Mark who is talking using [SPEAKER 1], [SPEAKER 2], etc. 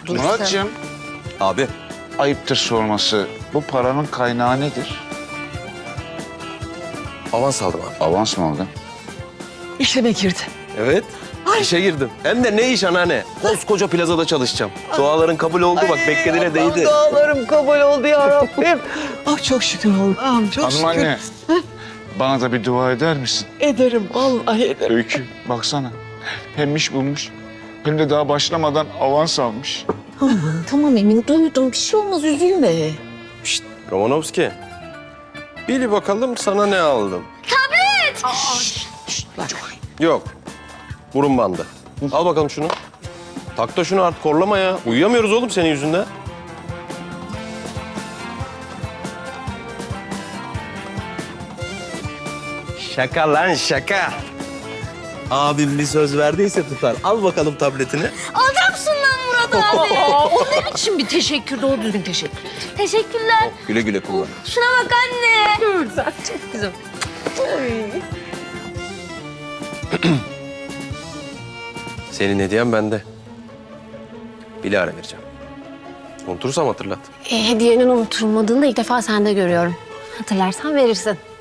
[SPEAKER 1] Dur
[SPEAKER 2] Muratcığım,
[SPEAKER 3] Abi.
[SPEAKER 2] ayıptır sorması. Bu paranın kaynağı nedir?
[SPEAKER 3] Avans aldım abi.
[SPEAKER 2] Avans mı aldın?
[SPEAKER 1] İşleme girdi.
[SPEAKER 3] Evet. İşe girdim. Hem de ne iş anneanne? Koskoca plazada çalışacağım. Duaların kabul oldu bak beklediğine değdi.
[SPEAKER 1] Dualarım kabul oldu ya Rabbim. Ah çok şükür oğlum. Çok
[SPEAKER 2] Hanım
[SPEAKER 1] şükür.
[SPEAKER 2] anne, bana da bir dua eder misin?
[SPEAKER 1] Ederim vallahi ederim.
[SPEAKER 2] Öykü, baksana. Hem iş bulmuş, hem de daha başlamadan avans almış.
[SPEAKER 1] Tamam Emin duydum. Bir şey olmaz üzülme.
[SPEAKER 3] Şşt Romanovski. Bil bakalım sana ne aldım.
[SPEAKER 1] Bak.
[SPEAKER 3] Yok. Burun bandı. Al bakalım şunu. Tak da şunu artık korlama ya. Uyuyamıyoruz oğlum senin yüzünden. Şaka lan şaka. Abim bir söz verdiyse tutar. Al bakalım tabletini.
[SPEAKER 4] Adamsın lan Murat abi.
[SPEAKER 1] O ne biçim bir teşekkür? Doğru düzgün teşekkür.
[SPEAKER 4] Teşekkürler.
[SPEAKER 3] Güle güle kullan.
[SPEAKER 4] Şuna bak anne.
[SPEAKER 1] Güzel, çok güzel.
[SPEAKER 3] Senin hediyen bende. Bilal'e vereceğim. Unutursam hatırlat.
[SPEAKER 4] Hediyenin unutulmadığını da ilk defa sende görüyorum. Hatırlarsan verirsin.